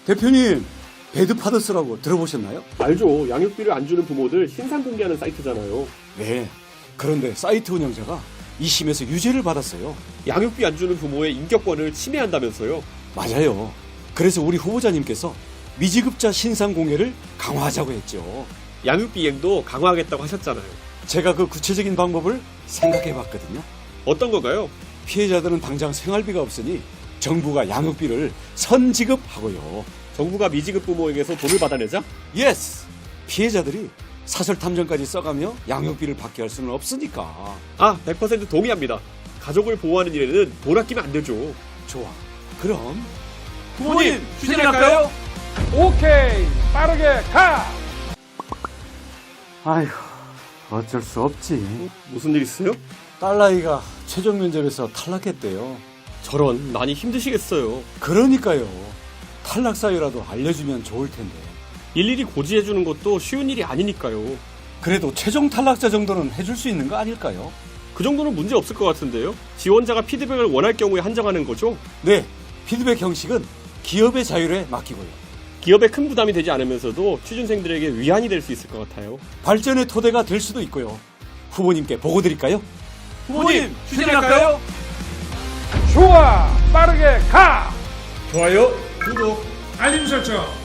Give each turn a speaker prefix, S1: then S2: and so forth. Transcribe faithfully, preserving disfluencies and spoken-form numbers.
S1: 대표님, 배드파더스라고 들어보셨나요?
S2: 알죠. 양육비를 안 주는 부모들 신상 공개하는 사이트잖아요.
S1: 네. 그런데 사이트 운영자가 이 심에서 유죄를 받았어요.
S2: 양육비 안 주는 부모의 인격권을 침해한다면서요.
S1: 맞아요. 그래서 우리 후보자님께서 미지급자 신상 공개를 강화하자고 했죠.
S2: 양육비 이행도 강화하겠다고 하셨잖아요.
S1: 제가 그 구체적인 방법을 생각해 봤거든요.
S2: 어떤 건가요?
S1: 피해자들은 당장 생활비가 없으니 정부가 양육비를 선지급하고요.
S2: 정부가 미지급 부모에게서 돈을 받아내자?
S1: 예스! 피해자들이 사설 탐정까지 써가며 양육비를 받게 할 수는 없으니까.
S2: 아, 백 퍼센트 동의합니다. 가족을 보호하는 일에는 돈 아끼면 안 되죠.
S1: 좋아. 그럼
S2: 부모님, 추진할까요?
S3: 오케이, 빠르게 가!
S1: 아휴, 어쩔 수 없지.
S2: 무슨 일 있어요?
S1: 딸나이가 최종 면접에서 탈락했대요.
S2: 저런, 많이 힘드시겠어요.
S1: 그러니까요. 탈락 사유라도 알려주면 좋을 텐데.
S2: 일일이 고지해주는 것도 쉬운 일이 아니니까요.
S1: 그래도 최종 탈락자 정도는 해줄 수 있는 거 아닐까요?
S2: 그 정도는 문제 없을 것 같은데요? 지원자가 피드백을 원할 경우에 한정하는 거죠?
S1: 네, 피드백 형식은 기업의 자율에 맡기고요.
S2: 기업에 큰 부담이 되지 않으면서도 취준생들에게 위안이 될 수 있을 것 같아요.
S1: 발전의 토대가 될 수도 있고요. 후보님께 보고 드릴까요?
S2: 후보님, 추진할까요?
S3: 좋아, 빠르게 가!
S2: 좋아요, 구독.
S3: 알림 설정.